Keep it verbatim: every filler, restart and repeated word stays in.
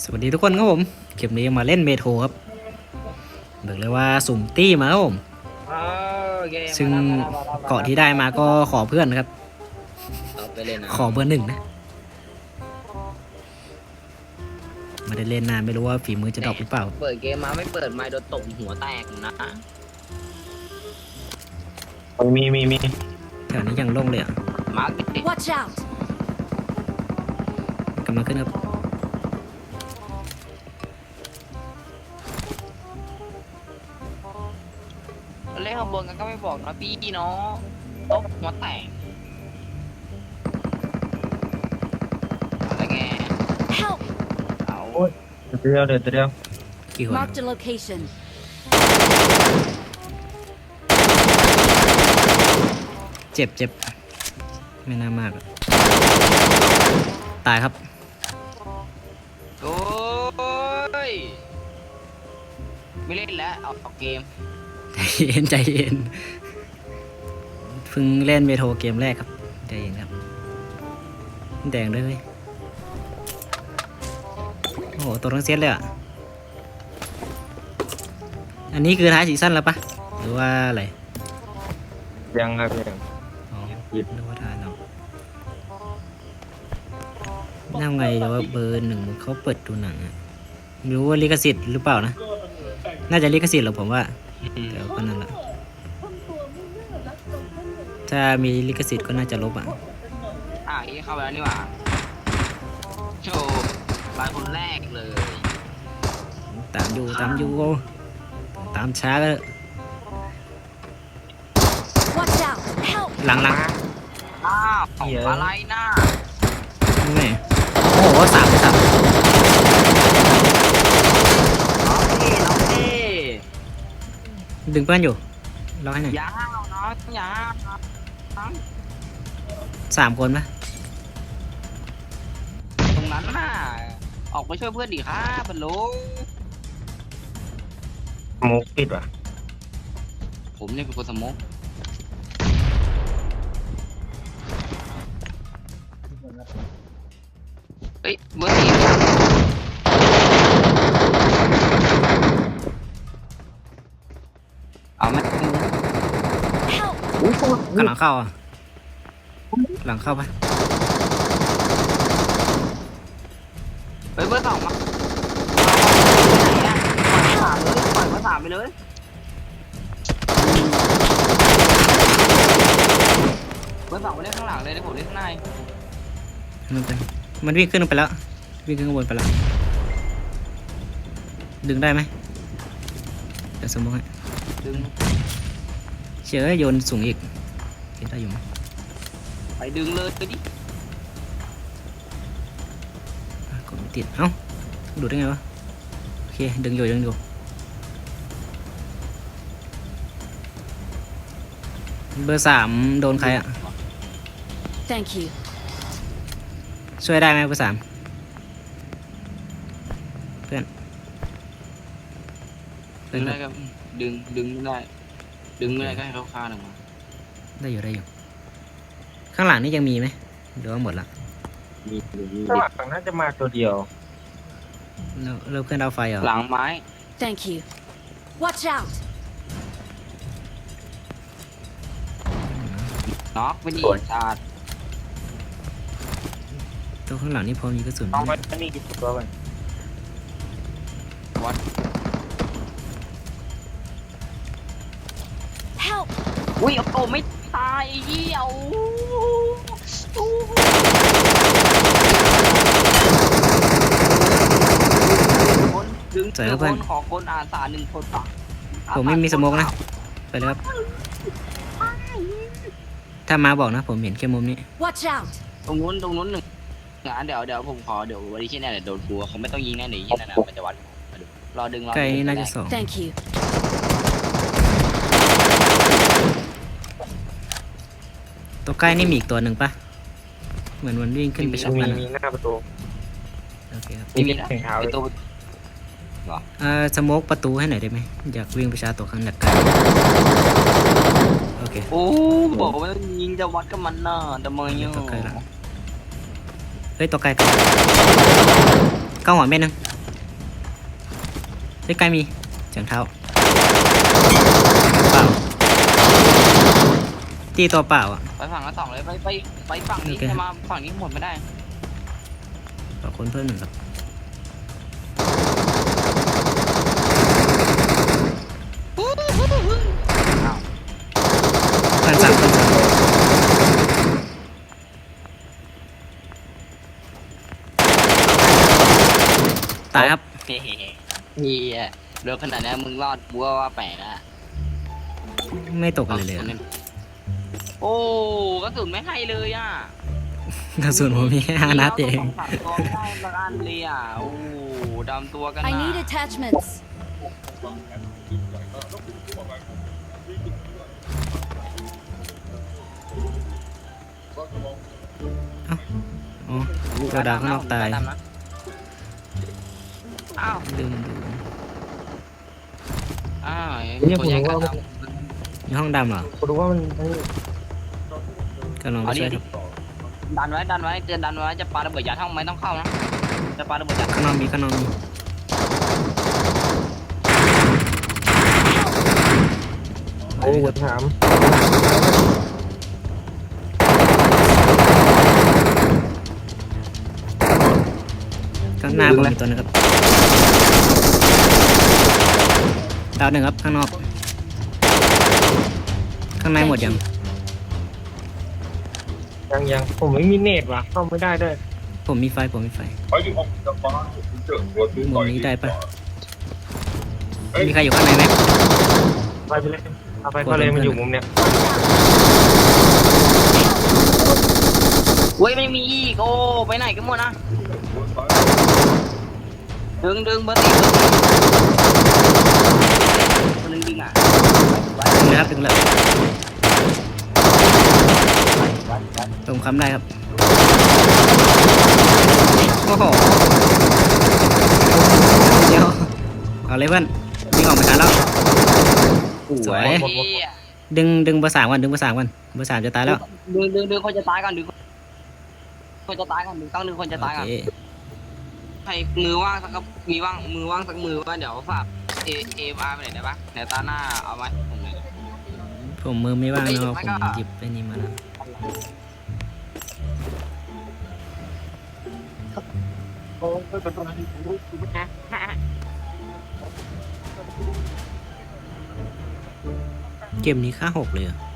วัสดีทุกคนครับผมคลิปนี้มาเล่นเมโทรครับบอกเลยว่าสุ่มตี้มาครับผมซึ่งเกาะที่ได้มาก็ขอเพื่อนนะครับขอเบอร์หนึ่งนะไม่ได้เล่นนานไม่รู้ว่าฝีมือจะดรอปหรือเปล่าเปิดเกมมาไม่เปิดไมค์โดนตบหัวแตกนะมีมีมีแถวนี้ยังโล่งเลยอ่ะมาร์ค Watch out กำลังขึ้นครับเล่นข้างบนกันก็ไม่บอกนะพี่เนาะตบหัวแตกอะไรแก Help เอาเดียวเดียวเดียวกี่คน Marked a location เจ็บเจ็บไม่น่ามากตายครับโอ้ยไม่เล่นแล้วเอาออกเกมใจเย็นใจเย็นเพิ่งเล่นเมโทรเกมแรกครับใจเย็นครับแดงด้วยเลยโอ้โหตัวทั้งเซตเลยอ่ะอันนี้คือท้ายซีซั่นแล้วปะหรือว่าอะไรยังครับยังอ๋อหรือว่าท้ายเนาะน่าไงเดี๋ยวว่าเบอร์หนึ่งเขาเปิดดูหนังอ่ะไม่รู้ว่าลิขสิทธิ์หรือเปล่านะน่าจะลิขสิทธิ์หรอกผมว่าแต่ก็นั่นแหละถ้ามีลิขสิทธิ์ก็น่าจะลบอ่ะอ่ะยี่เข้าไปแล้วนี่หว่าโชว์รายคนแรกเลยตามอยู่ตามอยู่ตามช้าก็ Watch out Help หลังหลังอ้าวอะไรน่ะไม่โอ้โหสามสามน้องพี่น้องพี่ดึงเพื่อนอยู่รอให้หน่อยอย่าห้าวน้องอย่าห้าวน้องสามคนปะตรงนั้นน่ะออกไปช่วยเพื่อนดิครับบรรลุมุกปิดว่ะผมเนี่ยเป็นคนสมกเฮ้ยเบอร์สี่เอาไหม Help กำลังเข้าอ่ะหลังเข้าปะเฮ้ยเบอร์สองมาปล่อยเบอร์สามไปเลยเบอร์สองไปเล่นข้างหลังเลยเดี๋ยวผมเล่นข้างในมันเป็นมันวิ่งขึ้นไปแล้ววิ่งขึ้นข้างบนไปแล้วดึงได้ไหมเดี๋ยวสมมติให้ดึงเชื่อโยนสูงอีกได้อยู่ไหมไปดึงเลยไปดิกดไม่ติดเอ้าดูได้ไงวะโอเคดึงอยู่ดึงอยู่เบอร์สามโดนใครอ่ะ Thank you ช่วยได้ไหมเบอร์สามเพื่อนดึงได้ครับดึงดึงไม่ได้ดึงไม่ได้ก็ให้เขาฆ่าหนึ่งมาได้อยู่ได้อยู่ข้างหลังนี่ยังมีไหมหรือว่าหมดละมีข้างหลังน่าจะมาตัวเดียวเราเราเพื่อนเอาไฟเหรอหลังไม้ Thank you Watch out น็อกไปดิชาร์ตัวข้างหลังนี่พอมีกระสุนเอาไว้นี่กี่ตัวไปวัด Help อุ้ยโอ้ไม่ตายเหี้ยวคนดึงเจอคนขอคนอาสาหนึ่งคนต่อผมไม่มีสโมกนะไปเลยครับถ้ามาบอกนะผมเห็นแค่มุมนี้ Watch out ตรงนู้นตรงนู้นหนึ่งงานเดี๋ยวเดี๋ยวผมขอเดี๋ยววันนี้ที่แน่เดี๋ยวโดนกลัวเขาไม่ต้องยิงแน่หนีที่นั่นนะมันจะวัดรอดึงรอไกลน่าจะสอง Thank you ตัวใกล้นี่มีอีกตัวหนึ่งปะเหมือนมันวิ่งขึ้นไปช็อตมันมีหน้าประตูโอเคครับมีนะไอตัวเอ่อสโมกประตูให้หน่อยได้ไหมอยากวิ่งไปชาร์จตัวข้างหนักกันโอเคโอ้บอกว่ายิงจะวัดกับมันน่ะแต่มึงยังเฮ้ยตัวไกลเก้าหัวเม็ดนึงใกล้ๆมีเสียงเท้าเปล่าตีตัวเปล่าอ่ะไปฝั่งละสองเลยไปไปไปฝั่งนี้โอเคจะมาฝั่งนี้หมดไม่ได้ขอคนเพิ่มหนึ่งครับเพื่อนสั่งเพื่อนสั่งตายครับเฮ้ยเฮียเรือขนาดนี้มึงรอดบัวว่าแปลกอะไม่ตกอะไรเลยอะโอ้กระสุนไม่ให้เลยอ่ะกระสุนผมมีแค่ห้านัดเองสองสามตัวไม่ได้ละอันเลยอ่ะโอ้ดำตัวกัน I นะ need attachments. อ๋อตัวดาวข้างนอกตายอ้าวลืมดูอ้าวเนี่ยผมรู้ว่ามันในห้องดำเหรอผมรู้ว่ามันมันกำลังไปช่วยครับดันไว้ดันไว้เตือนดันไว้จะปาระเบิดยัดห้องไม่ต้องเข้านะจะปาระเบิดยัดข้างนอกมีข้างนอกมีโอ้ถามข้างหน้าผมมีตัวนึงครับดาวหนึ่งครับข้างนอก ข้างในหมดยังยังยังผมไม่มีเน็ตว่ะเข้าไม่ได้ด้วยผมมีไฟผมมีไฟ还有好的八十正我都มุมนี้ได้ปะมีใครอยู่ข้างในไหมไปไปเลยเอาไปก็เลยมันอยู่มุมเนี้ยเว้ยไม่มีอีกโอ้ไปไหนกันหมดนะดึงดึงเบอร์สี่คนนึงดึงอ่ะดึงนะครับดึงเลยตรงคำได้ครับโอ้โหเดี๋ยวเอาเลยเพื่อนวิ่งออกมาทันแล้วสวย ดึงดึงเบอร์สามวันดึงเบอร์สามวันเบอร์สามจะตายแล้วดึงดึงดึงคนจะตายก่อนดึงคนจะตายก่อนดึงต้องดึงคนจะตายโอก่อนเคใครมือว่างสักมีว่างมือว่างสักมือว่าเดี๋ยวฝากเอเอฟอาร์ไปไหนได้ปะเดี๋ยวตาหน้าเอาไว้ผมเลยผมมือไม่ว่างเอ้ยเนาะไม่ผมก็หยิบไปนี่มาแล้วเกมนี้ค่าหกเลยเหรอ